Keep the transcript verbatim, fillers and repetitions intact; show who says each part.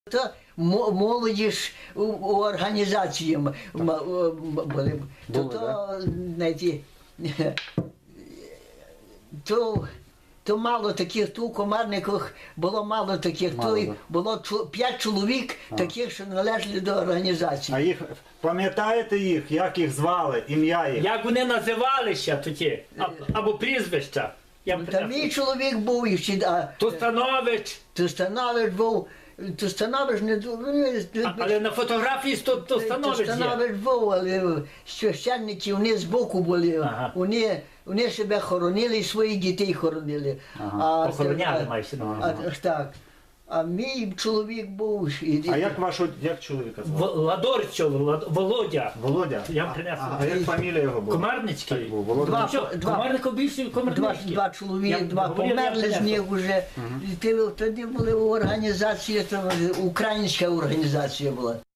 Speaker 1: То мо- молодіж у, у організації м- м- м- були. То,
Speaker 2: Були,
Speaker 1: то, знаєте, то, то мало таких, то у комарниках було мало таких,
Speaker 2: Мало,
Speaker 1: то й
Speaker 2: да.
Speaker 1: було чу- п'ять чоловік таких, що належали до організації.
Speaker 3: А їх пам'ятаєте їх, як їх звали, ім'я їх?
Speaker 4: Як вони називалися тоді? А- Або прізвища? Я б
Speaker 1: Та мій чоловік був і ще, а
Speaker 4: Тустанович,
Speaker 1: Тустанович був, Тустанович не ду-
Speaker 4: а- але на фотографії сто- Тустанович є.
Speaker 1: Тустанович був, але священники вони збоку були,
Speaker 4: Ага.
Speaker 1: вони, вони себе хоронили і своїх дітей хоронили.
Speaker 2: Ага.
Speaker 4: Охороняли, маєш на увазі.
Speaker 1: А, так. А мій чоловік був. І,
Speaker 3: А як вашого, як чоловіка звали?
Speaker 4: В- Ладорчов, Лад- Володя.
Speaker 3: Володя?
Speaker 4: Я
Speaker 3: А-
Speaker 4: принесу.
Speaker 3: А, а як фамілія його була?
Speaker 4: Комарницький.
Speaker 3: Так був, Володя.
Speaker 1: Два-
Speaker 4: Ну що,
Speaker 1: два-
Speaker 4: Комарников більше
Speaker 1: Два,
Speaker 4: Комарницький.
Speaker 1: два чоловіки,
Speaker 4: Я
Speaker 1: два
Speaker 4: говорив, я
Speaker 1: померли з
Speaker 4: принесу.
Speaker 1: них вже. І ти- тоді були організації, там, українська організація була.